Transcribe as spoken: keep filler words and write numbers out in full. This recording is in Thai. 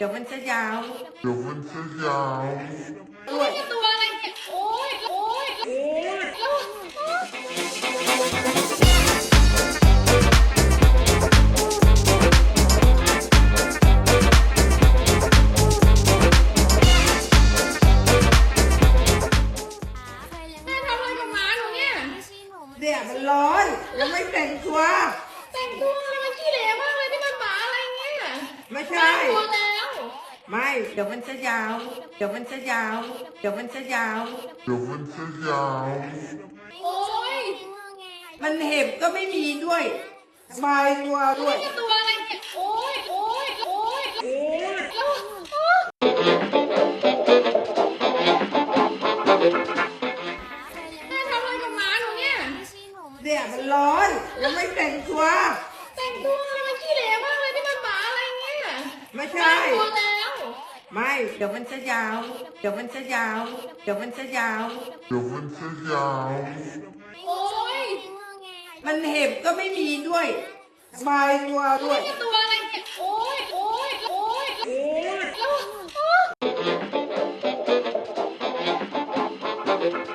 ดี๋ยวมันจะยาวเดี๋ยวมันจะยาวด้วยตัวอะไรเนี่ยโอ้ยโอ้ยโอ้ยแม่ทำอะไรกับหมาหนูเนี่ยเนี่ยมันร้อนยังไม่แต่งตัวแต่งตัวอะไรมันขี้เหร่มากเลยนี่มันหมาอะไรเนี่ยไม่แต่ใช่งตัวแล้วไม่เดี๋ยวมันจะยาว เดี๋ยวมันจะยาว เดี๋ยวมันจะยาวเดี๋ยวมันจะยาวโอ้ยมันเห็บก็ไม่มีด้วยสบายตัวด้วยตัวอะไรเนี่ยโอ้ยโอ้ยโอ้ยโอ้ยแม่ทำอะไรกับหมาหนูเนี่ยเนี่ยมันร้อนยังไม่แต่งตัวแต่งตัวอะไรมันขี้เหร่มากเลยนี่มันหมาอะไรเนี่ยไม่ใช่แต่งตัวแล้วไม่เดี๋ยวมันจะยาว เดี๋ยวมันจะยาว เดี๋ยวมันจะยาวเดี๋ยวมันจะยาวโอ้ยมันเห็บก็ไม่มีด้วยสบายตัวด้วยตัวอะไรเนี่ยโอ้ยโอ้ยโอ้ยโอ้ย